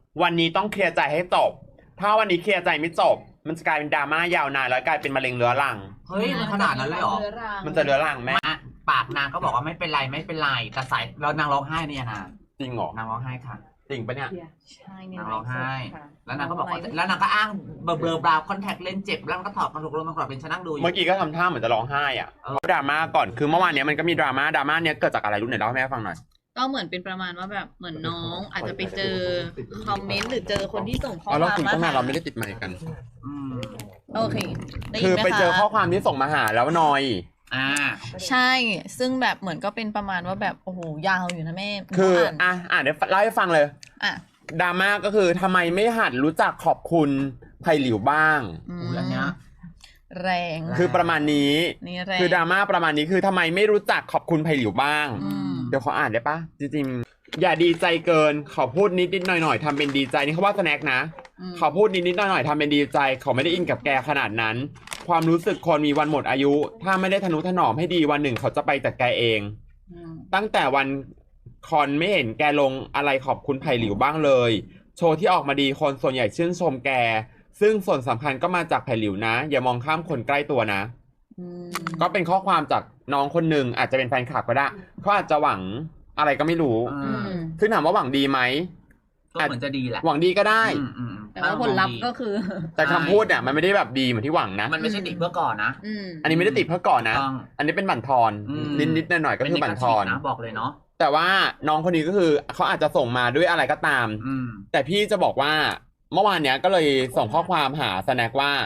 วันนี้ต้องเคลียร์ใจให้จบถ้าวันนี้เคลียร์ใจไม่จบมันจะกลายเป็นดราม่ายาวนานแล้วกลายเป็นมะเร็งเรื้อรังเฮ้ยมันขนาดนั้นเลยเหรอมันจะเรื้อรังแม่ปากนางก็บอกว่าไม่เป็นไรไม่เป็นไรแต่สายเรานางร้องไห้เนี่ยนะจริงเหรอนางร้องไห้ค่ะจริงปะเนี่ยใช่นางร้องไห้แล้วนางก็บอกว่าแล้วนางก็อ้างเบลอบราวคอนแทคเลนส์เจ็บแล้วก็ถอดกระดูกลงมากรอบเป็นฉันนั่งดูอยู่เมื่อกี้ก็ทำท่าเหมือนจะร้องไห้อ่ะเพราะดราม่าก่อนคือเมื่อวานนี้มันก็มีดราม่าเนี้ยเกิดจากอะไรรู้ไหนเล่าให้แม่ฟังหน่อยก็เหมือนเป็นประมาณว่าแบบเหมือนน้องอาจจะไปเจอคอมเมนต์หรือเจอคนที่ส่งข้อความเราคุยตั้งนานเราไม่ได้ติดไมค์กันโอเคคือไปเจอข้อความที่ส่งมาหาแล้วนอยใช่ซึ่งแบบเหมือนก็เป็นประมาณว่าแบบโอ้โหยาวอยู่นะแม่คือเดี๋ยวเล่าให้ฟังเลยดราม่าก็คือทำไมไม่หัดรู้จักขอบคุณไผ่หลิวบ้างอันเนี้ยแรงคือประมาณนี้คือดราม่าประมาณนี้คือทำไมไม่รู้จักขอบคุณไผ่หลิวบ้างเดี๋ยวขออ่านได้ปะจริงๆอย่าดีใจเกินขอพูดนิดหน่อยทำเป็นดีใจนี่เขาว่าสแน็คนะขอพูดนิดหน่อยทำเป็นดีใจเขาไม่ได้อินกับแกขนาดนั้นความรู้สึกคนมีวันหมดอายุถ้าไม่ได้ทนุถนอมให้ดีวันหนึ่งเขาจะไปจากแกเองตั้งแต่วันคอนไม่เห็นแกลงอะไรขอบคุณไผ่หลิวบ้างเลยโชว์ที่ออกมาดีคนส่วนใหญ่ชื่นชมแกซึ่งส่วนสำคัญก็มาจากไผ่หลิวนะอย่ามองข้ามคนใกล้ตัวนะก็เป็นข้อความจากน้องคนหนึ่งอาจจะเป็นแฟนคลับก็ได้เขาอาจจะหวังอะไรก็ไม่รู้คือถามว่าหวังดีไหมก็เหมือนจะดีแหละหวังดีก็ได้แต่ว่าผลลัพธ์ก็คือแต่คำพูดเนี่ยมันไม่ได้แบบดีเหมือนที่หวังนะมันไม่ใช่ติดเพื่อก่อนนะอันนี้ไม่ได้ติดเพื่อก่อนนะอันนี้เป็นบั่นทอนนิดหน่อยก็คือบั่นทอนนะบอกเลยเนาะแต่ว่าน้องคนนี้ก็คือเขาอาจจะส่งมาด้วยอะไรก็ตามแต่พี่จะบอกว่าเมื่อวานเนี้ยก็เลยส่งข้อความหาสแน็คว่า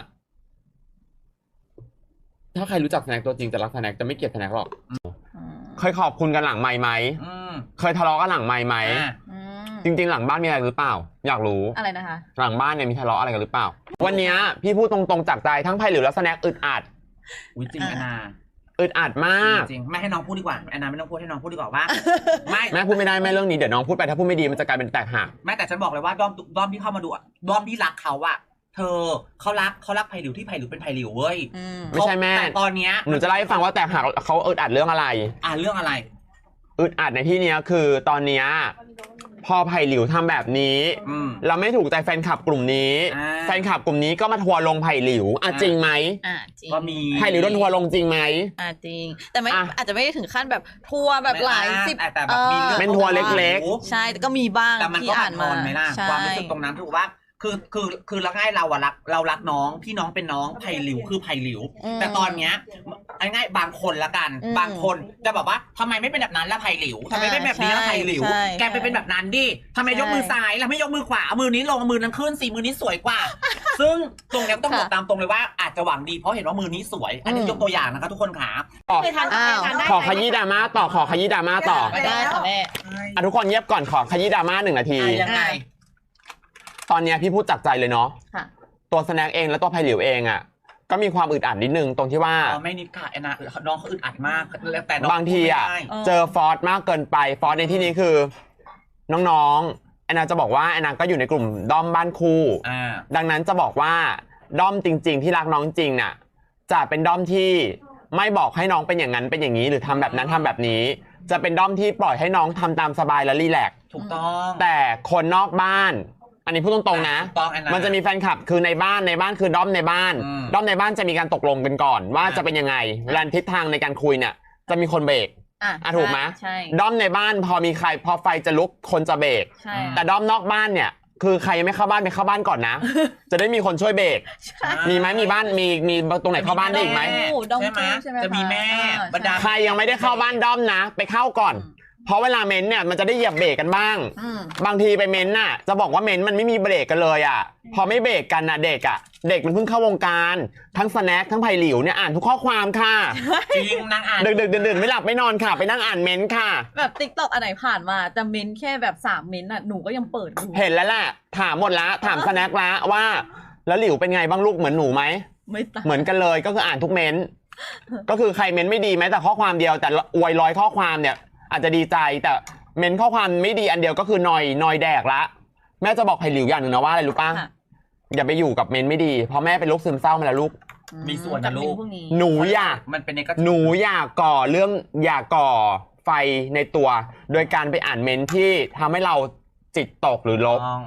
ถ้าใครรู้จักสแน็คตัวจริงจะรักสแน็คจะไม่เกลียดสแน็คหรอกเคยขอบคุณกันหลังไมค์ไหมเคยทะเลาะกันหลังไมค์ไหมจริงๆหลังบ้านมีอะไรหรือเปล่าอยากรู้อะไรนะคะหลังบ้านเนี่ยมีทะเลาะอะไรกันหรือเปล่าวันนี้พี่พูดตรงๆจากใจทั้งไผ่หลิวและสแน็คอึดอัดจริงแอนนาอึดอัดมากจริงไม่ให้น้องพูดดีกว่าแอนนาไม่ต้องพูดให้น้องพูดดีกว่าว่าไม่แม่พูดไม่ได้แม่เรื่องนี้เดี๋ยวน้องพูดไปถ้าพูดไม่ดีมันจะกลายเป็นแตกหักแม่แต่ฉันบอกเลยว่าด้อมที่เข้ามาดูด้อมที่รักเขาอะเธอเขารักไผ่หลิวที่ไผ่หลิวเป็นไผ่หลิวเว้ยไม่ใช่แม่แต่ตอนเนี้ยหนูจะเล่าให้ฟังว่าแตกหักเขาอึดอัดเรื่องอะไรเรื่องอะไรอึดอัดในที่นี้คือตอนเนี้ยพอไผ่หลิวทำแบบนี้เราไม่ถูกใจแฟนคลับกลุ่มนี้แฟนคลับกลุ่มนี้ก็มาทัวร์ลงไผ่หลิวจริงไหมจริงก็มีไผ่หลิวโดนทัวร์ลงจริงไหมจริงแต่ไม่อาจจะไม่ได้ถึงขั้นแบบทัวร์แบบหลายสิบแต่แบบมีเป็นทัวร์เล็กๆใช่ก็มีบ้างที่อ่านมาความรู้สึกตรงนั้นถูกว่าคือเราง่ายเรารักน้องพี่น้องเป็นน้องไผ่หลิวคือไผ่หลิวแต่ตอนเนี้ยง่ายบางคนละกันบางคนจะแบบว่าทำไมไม่เป็นแบบนั้นละไผ่หลิวทำไมไม่แบบนี้ละไผ่หลิวแกไปเป็นแบบนั้นดิทำไมยกมือซ้ายแล้วไม่ยกมือขวาเอามือนี้ลงมือนั้นขึ้นสิมือนี้สวยกว่าซึ่งตรงนี้ต้องบอกตามตรงเลยว่าอาจจะหวังดีเพราะเห็นว่ามือนี้สวยอันนี้ยกตัวอย่างนะคะทุกคนขาขอขยี้ดราม่าต่อขอขยี้ดราม่าต่อได้ค่ะแม่ทุกคนเงียบก่อนขอขยี้ดราม่า1 นาทียังไงตอนนี้พี่พูดจากใจเลยเนาะตัวสแน็คเองและตัวไผ่หลิวเองอ่ะก็มีความอึดอัดนิดนึงตรงที่ว่าไม่นิดค่ะแอนนาน้องเขาอึดอัดมากแต่บางทีอ่ะเจอฟอร์สมากเกินไปฟอร์สในที่นี้คือน้องๆแอนนาจะบอกว่าแอนนาก็อยู่ในกลุ่มด้อมบ้านคู่ดังนั้นจะบอกว่าด้อมจริงๆที่รักน้องจริงน่ะจะเป็นด้อมที่ไม่บอกให้น้องเป็นอย่างนั้นเป็นอย่างนี้หรือทำแบบนั้นทำแบบนี้จะเป็นด้อมที่ปล่อยให้น้องทำตามสบายและรีแลกซ์ถูกต้องแต่คนนอกบ้านอันนี้พูดตรงๆนะมันจะมีแฟนคลับคือในบ้านคือด้อมในบ้านด้อมในบ้านจะมีการตกลงกันก่อนว่าจะเป็นยังไงเวลาทิศทางในการคุยเนี่ยจะมีคนเบรกถูกไหมด้อมในบ้านพอมีใครพอไฟจะลุกคนจะเบรกแต่ด้อมนอกบ้านเนี่ยคือใครยังไม่เข้าบ้านไปเข้าบ้านก่อนนะจะได้มีคนช่วยเบรกมีไหมมีบ้านมีตรงไหนเข้าบ้านได้อีกไหมใช่ไหมจะมีแม่ใครยังไม่ได้เข้าบ้านด้อมนะไปเข้าก่อนเพราะเวลาเม้นเนี่ยมันจะได้เหยียบเบรกกันบ้างบางทีไปเม้นน่ะจะบอกว่าเม้นมันไม่มีเบรกกันเลยอ่ะพอไม่เบรกกันน่ะเด็กมันเพิ่งเข้าวงการทั้งสแน็คทั้งไผ่หลิวเนี่ยอ่านทุกข้อความค่ะจริงนั่งอ่านดึกดื่นไม่หลับไม่นอนค่ะไปนั่งอ่านเม้นค่ะแบบติ๊กต็อกอันไหนผ่านมาจะเม้นแค่แบบ3 เม้นน่ะหนูก็ยังเปิดดูเห็นแล้วแหละถามหมดละถามสแน็คละว่าแล้วหลิวเป็นไงบ้างลูกเหมือนหนูไหมไม่เหมือนกันเลยก็คืออ่านทุกเม้นก็คือใครเม้นไม่ดีแม้แต่ข้อความเดียวแต่อวย100ข้อความเนี่ยอาจจะดีใจแต่เมนข้อความไม่ดีอันเดียวก็คือนอยแดกละแม่จะบอกไผ่หลิวอย่างหนึ่งนะว่าอะไรรู้ป่ะอย่าไปอยู่กับเมนไม่ดีเพราะแม่เป็นโรคซึมเศร้ามาแล้วลูกมีส่วนนะลูกหนูอยากหนูอยากก่อไฟในตัวโดยการไปอ่านเมนที่ทำให้เราจิตตกหรือลบ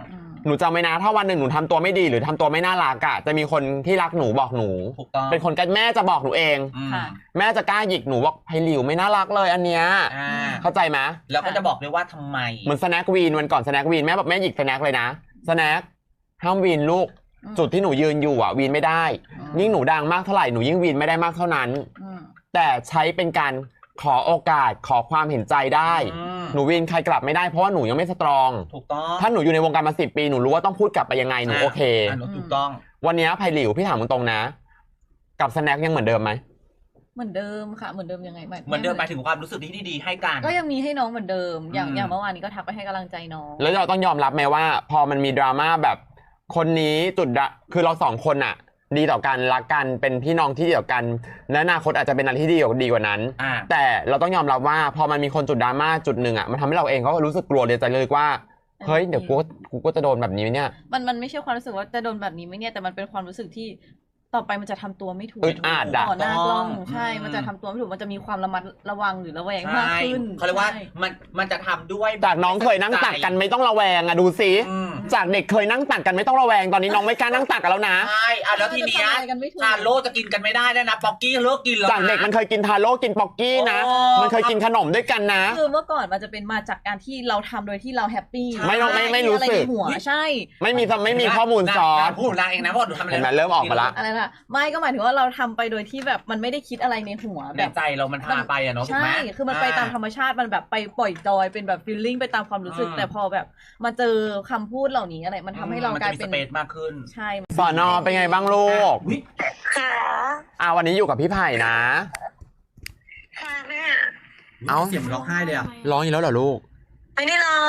หนูจำไว้นะถ้าวันหนึ่งหนูทำตัวไม่ดีหรือทำตัวไม่น่ารักอะจะมีคนที่รักหนูบอกหนูถูกต้องเป็นคนกันแม่จะบอกหนูเองค่ะแม่จะกล้าหยิกหนูบอกไพหลิวไม่น่ารักเลยอันเนี้ย เข้าใจไหมแล้วก็จะบอกด้วยว่าทำไมเหมือนสแน็ควีนวันก่อนสแน็ควีนแม่บอกแม่หยิกสแน็คเลยนะสแน็คห้ามวีนลูกจุดที่หนูยืนอยู่อะวีนไม่ได้ยิ่งหนูดังมากเท่าไหร่หนูยิ่งวีนไม่ได้มากเท่านั้นแต่ใช้เป็นการขอโอกาสขอความเห็นใจได้หนูวีนใครกลับไม่ได้เพราะว่าหนูยังไม่สตรองถูกต้องถ้าหนูอยู่ในวงการมา10 ปีหนูรู้ว่าต้องพูดกลับไปยังไงหนูโอเคถูกต้องวันนี้ไพหลิวพี่ถามตรงๆนะกับสแน็คยังเหมือนเดิมไหมเหมือนเดิมค่ะเหมือนเดิมยังไงเหมือนเดิมหมายถึงความรู้สึกที่ดีๆให้กันก็ยังมีให้น้องเหมือนเดิมอย่างเมื่อวานนี้ก็ทักไปให้กำลังใจน้องแล้วเราต้องยอมรับไหมว่า พอมันมีดราม่าแบบคนนี้คือเรา2 คนอะดีต่อกันรักกันเป็นพี่น้องที่ดีต่อกันและอนาคตอาจจะเป็นอะไรที่ดีกว่านั้นแต่เราต้องยอมรับว่าพอมันมีคนจุดดราม่าจุดหนึ่งอะมันทำให้เราเองก็รู้สึกกลัวเลยใจเลยว่าเฮ้ยเดี๋ยวกูก็จะโดนแบบนี้เนี่ยมันไม่ใช่ความรู้สึกว่าจะโดนแบบนี้ไหมเนี่ยแต่มันเป็นความรู้สึกที่ต่อไปมันจะทำตัวไม่ถูกอึดอัดต่อหน้ากล้องใช่มันจะทำตัวไม่ถูกมันจะมีความระมัดระวังหรือระแวงมากขึ้นเขาเรียกว่ามันจะทำด้วยจากน้องเคยนั่งตักกันไม่ต้องระแวงอะดูสิจากเด็กเคยนั่งตักกันไม่ต้องระแวงตอนนี้น้องไม่กล้านั่งตักกันแล้วนะใช่แล้วทีเนี้ยทาโร่จะกินกันไม่ได้แล้วนะป๊อกกี้เลิกกินแล้วจากเด็กมันเคยกินทาโร่กินป๊อกกี้นะมันเคยกินขนมด้วยกันนะคือเมื่อก่อนมันจะเป็นมาจากการที่เราทำโดยที่เราแฮปปี้ไม่รู้สึกหัวใช่ไม่มีข้อมูลซ้อนพูดนางเองนะว่าหนูทำอะไรเห็นไหมเริ่มออกมาละอะไรนะไม่ก็หมายถึงว่าเราทำไปโดยที่แบบมันไม่ได้คิดอะไรในหัวในแบบใจเรามันพาไปอะเนาะถูกใช่ไหมคือมันไปตามธรรมชาติมันแบบไปปล่อยจอยเป็นแบบฟีลลิ่งไปตามความรู้สึกแต่พอแบบมาเจอคำพูดเหล่านี้อะไรมันทำให้เรากลายเป็นสเปซมากขึ้นใช่สอนอเป็นไงบ้างลูกค่ะวันนี้อยู่กับพี่ไผ่นะค่ะแม่เอ้าเสียงร้องไห้เลยอะร้องอีกแล้วเหรอลูกไม่ได้ร้อง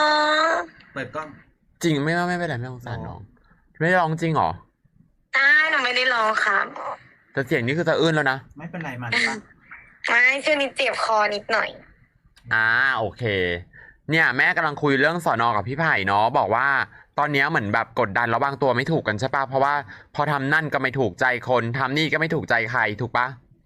เปิดกล้องจริงไม่เป็นไรไม่สงสารน้องไม่ได้ร้องจริงเหรอใช่หนูไม่ได้ร้องครับแต่เสียงนี่คือสะอื้นแล้วนะไม่เป็นไรมันปะไม่ช่วงนี้เจ็บคอนิดหน่อยโอเค เนี่ยแม่กำลังคุยเรื่องสอนอกับพี่ไผ่เนาะบอกว่าตอนนี้เหมือนแบบกดดันแล้ววางตัวไม่ถูกกันใช่ปะเพราะว่าพอทำนั่นก็ไม่ถูกใจคนทำนี่ก็ไม่ถูกใจใครถูกปะ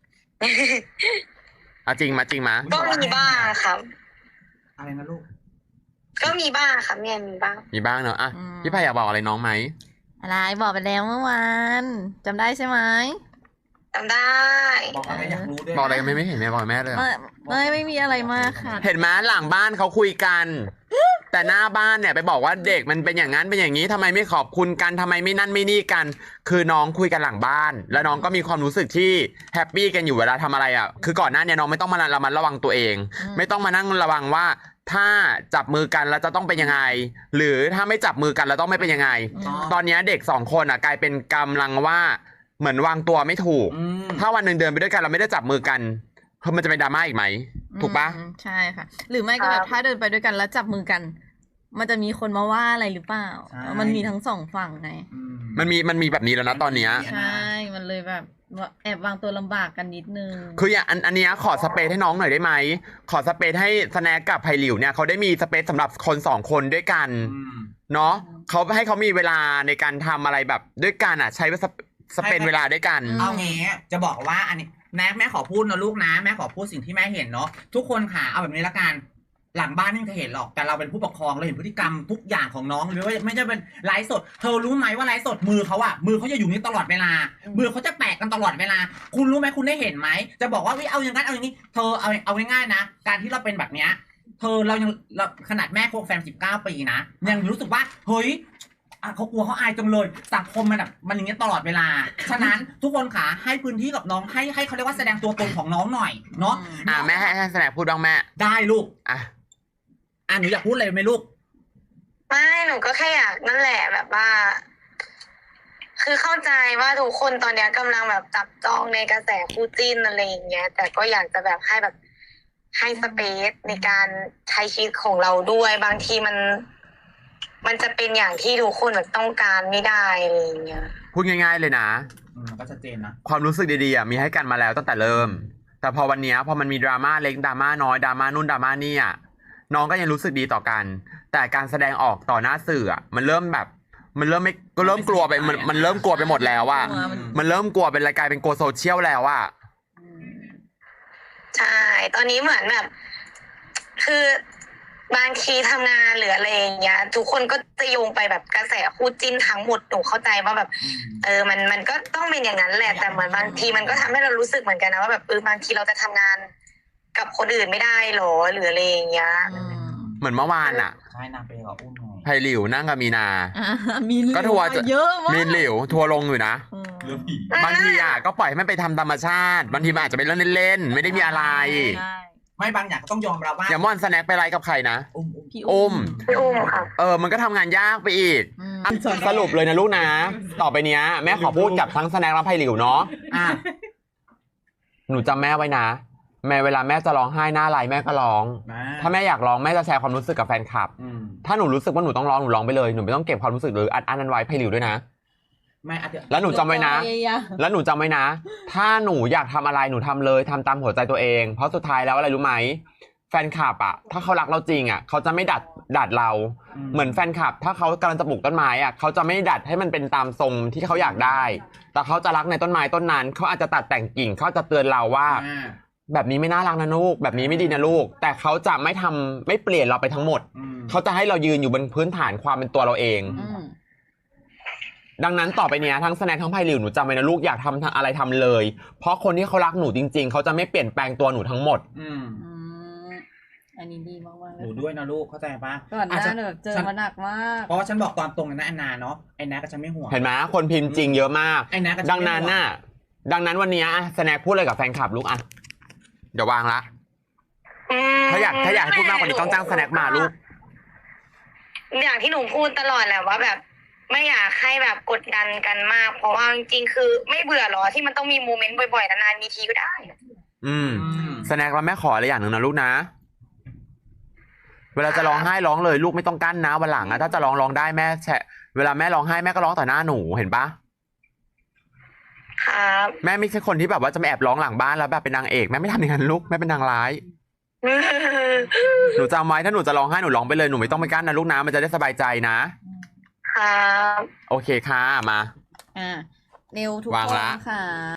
จริงมาก็มีบ้างครับอะไรนะลูกก็มีบ้างครับแม่มีบ้างมีบ้างเนาะพี่ไผ่อยากบอกอะไรน้องไหมอะไรบอกไปแล้วเมื่อวานจำได้ใช่ไหมจำได้บอกอะไรอยากรู้ด้วยบอกอะไรกันไม่เห็นแม่บอกแม่เลยไม่มีอะไรมากค่ะเห็นไหมหลังบ้านเขาคุยกัน แต่หน้าบ้านเนี่ยไปบอกว่าเด็กมันเป็นอย่างนั้นเป็นอย่างนี้ทำไมไม่ขอบคุณกันทำไมไม่นั่นไม่นี่กัน คือน้องคุยกันหลังบ้าน แล้วน้องก็มีความรู้สึกที่แฮปปี้กันอยู่เวลาทำอะไรอ่ะคือก่อนหน้านี้น้องไม่ต้องมาระมัดระวังตัวเอง ไม่ต้องมานั่งระวังว่าถ้าจับมือกันแล้วจะต้องเป็นยังไง หรือถ้าไม่จับมือกันแล้วต้องไม่เป็นยังไง ตอนนี้เด็ก2 คนอ่ะกลายเป็นกำลังว่าเหมือนวางตัวไม่ถูก ถ้าวันหนึ่งเดินไปด้วยกันเราไม่ได้จับมือกันมันจะเป็นดราม่าอีกไหมถูกปะใช่ค่ะ หรือไม่ก็แบบถ้าเดินไปด้วยกันแล้วจับมือกัน มันจะมีคนมาว่าอะไรหรือเปล่ามันมีทั้ง2 ฝั่งไงมันมีแบบนี้แล้วนะตอนเนี้ยใช่มันเลยแบบแอบวางตัวลำบากกันนิดนึงคืออย่างอันเนี้ยขอสเปซให้น้องหน่อยได้ไหมขอสเปซให้สแน็คกับไผ่หลิวเนี่ยเขาได้มีสเปซสำหรับคน2 คนด้วยกันเนาะเขาให้เขามีเวลาในการทำอะไรแบบด้วยกันอ่ะใช้สเปซเวลาด้วยกันเอางี้จะบอกว่าอันนี้แม่ขอพูดนะลูกนะแม่ขอพูดสิ่งที่แม่เห็นเนาะทุกคนค่ะเอาแบบนี้ละกันหลังบ้านนี่จะเห็นหรอกแต่เราเป็นผู้ปกครองเราเห็นพฤติกรรมทุกอย่างของน้องหรือว่าไม่ใช่เป็นไลฟ์สดเธอรู้ไหมว่าไลฟ์สดมือเขาอะมือเขาจะอยู่นี้ตลอดเวลามือเขาจะแปะกันตลอดเวลาคุณรู้ไหมคุณได้เห็นไหมจะบอกว่าเอาอย่างนั้นเอาอย่างนี้เธอเอาง่ายๆนะการที่เราเป็นแบบเนี้ยเธอเราขนาดแม่คบแฟน19 ปีนะยังรู้สึกว่าเฮ้ยเขากลัวเขาอายจังเลยสังคมมันแบบมันอย่างเงี้ยตลอดเวลาฉะนั้นทุกคนค่ะให้พื้นที่กับน้องให้เขาเรียกว่าแสดงตัวตนของน้องหน่อยเนาะแม่ให้สแน็คพูดบ้างแม่ได้ลูกหนูอยากพูดอะไรไหมลูกไม่หนูก็แค่อยากนั่นแหละแบบว่า คือเข้าใจว่าทุกคนตอนนี้กำลังแบบจับจ้องในกระแสคู่จิ้นอะไรอย่างเงี้ยแต่ก็อยากจะแบบให้แบบให้สเปซในการใช้ชีวิตของเราด้วยบางทีมันจะเป็นอย่างที่ทุกคนแบบต้องการไม่ได้อะไรอย่างเงี้ยพูดง่ายๆเลยนะก็ชัดเจนนะความรู้สึกดีๆมีให้กันมาแล้วตั้งแต่เริ่มแต่พอวันนี้พอมันมีดราม่าเล็กดราม่าน้อยดราม่านู่นดราม่านี่น้องก็ยังรู้สึกดีต่อกันแต่การแสดงออกต่อหน้าสื่อมันเริ่มแบบมันเริ่มไม่ก็เริ่มกลัวไปมันเริ่มกลัวไปหมดแล้วมันเริ่มกลัวเป็นรายการเป็นกลัวโซเชียลแล้วใช่ตอนนี้เหมือนแบบคือบางทีทำงานหรืออะไรอย่างเงี้ยทุกคนก็จะโยงไปแบบกระแสคู่จิ้นทั้งหมดหนูเข้าใจว่าแบบมันก็ต้องเป็นอย่างนั้นแหละแต่เหมือนบางทีมันก็ทำให้เรารู้สึกเหมือนกันนะว่าแบบบางทีเราจะทำงานกับคนอื่นไม่ได้หรอหรืออะไรอย่างเงี้ยเหมือนเมื่อวานอ่ะใช่นางไปกับอุ้มไงไผ่หลิวนั่งกับมีนามีหลิวก็ทัวร์เยอะมากมีหลิวทัวร์ลงอยู่นะเรื่องผีบางทีอ่ะก็ปล่อยให้มันไปทำธรรมชาติบางทีมันอาจจะเป็นเรื่องเล่นๆไม่ได้มีอะไรใช่ไม่บางอย่างก็ต้องยอมรับว่าอย่างม่อนสแน็คไปไลฟ์กับใครนะพี่อุ้มพี่อุ้มค่ะมันก็ทำงานยากไปอีกอืมสรุปเลยนะลูกนะ ต่อไปเนี้ยแม่ขอพูดกับทั้งสแน็คและไผ่หลิวเนาะอ่ะหนูจำแม่ไว้นะแม่เวลาแม่จะร้องไห้หน้าไลฟ์แม่ก็ร้อง ถ้าแม่อยากร้องแม่จะแชร์ความรู้สึกกับแฟนคลับ ถ้าหนูรู้สึกว่าหนูต้องร้องหนูร้องไปเลยหนูไม่ต้องเก็บความรู้สึกหรืออัดนั้นไว้ไผ่หลิวด้วยนะไม่อ่ะเดี๋ยวแล้วหนูจำไว้นะ แล้วหนูจำไว้นะ ถ้าหนูอยากทำอะไรหนูทำเลยทำตามหัวใจตัวเอง เพราะสุดท้ายแล้วอะไรรู้ไหมแฟนคลับอ่ะถ้าเขารักเราจริงอ่ะเขาจะไม่ดัดเรา เหมือนแฟนคลับ ถ้าเขากำลังจะปลูกต้นไม้อ่ะเขาจะไม่ดัดให้มันเป็นตามทรงที่เขาอยากได้ แต่เขาจะรักในต้นไม้ต้นนั้นเขาอาจจะตัดแต่งกิ่งเขาจะเตือนเราว่า แบบนี้ไม่น่ารักนะลูกแบบนี้ไม่ดีนะลูก แต่เขาจะไม่เปลี่ยนเราไปทั้งหมดเขาจะให้เรายืนอยู่บนพื้นฐานความเป็นตัวเราเอง ดังนั้นต่อไปเนี้ยทั้งสแน็คทั้งไผ่หลิวหนูจำไว้นะลูกอยากทำอะไรทำเลย เพราะคนที่เขารักหนูจริง ๆเขาจะไม่เปลี่ยนแปลงตัวหนูทั้งหมดอันนี้ดีมากๆเลหยนูด้วยนะลูกเข้าใจปะก่อนหน้าแบบเจอมาหนักมากเพราะว่าฉันบอกตอนตรงเลยนะแอนนาเนาะไอ้นาก็จะไม่ห่วงเห็นไหมคนพิมพ์จริงเยอะมากไอ้นาก็จะดังนั้นน่ะดังนั้นวันเนี้ยสแน็คพูดอะไรกับแฟนคลับลูกอ่ะเดี๋ยววางละถ้าอยากให้พูดมากกว่านี้ต้องจ้างสแน็คมาลูกอย่างที่หนูพูดตลอดแหละว่าแบบไม่อยากให้แบบกดดันกันมาก เพราะว่าจริงๆคือไม่เบื่อหรอที่มันต้องมีโมเมนต์บ่อยๆนานๆมีทีก็ได้สแน็คแล้วแม่ขออะไรอย่างหนึ่งนะลูกนะ เวลาจะร้องไห้ร้องเลยลูกไม่ต้องกั้นนะวันหลังอะถ้าจะร้องได้แม่เวลาแม่ร้องไห้แม่ก็ร้องต่อหน้าหนูเห็นปะครับแม่ไม่ใช่คนที่แบบว่าจะมาแอบร้องหลังบ้านแล้วแบบเป็นนางเอกแม่ไม่ทำอย่างนั้นลูกแม่เป็นนางร้าย หนูจำไว้ถ้าหนูจะร้องไห้หนูร้องไปเลยหนูไม่ต้องไปกั้นนะลูกนะมันจะได้สบายใจนะครับ โอเคค่ะมาเร็วทุกวางคนละค่ะ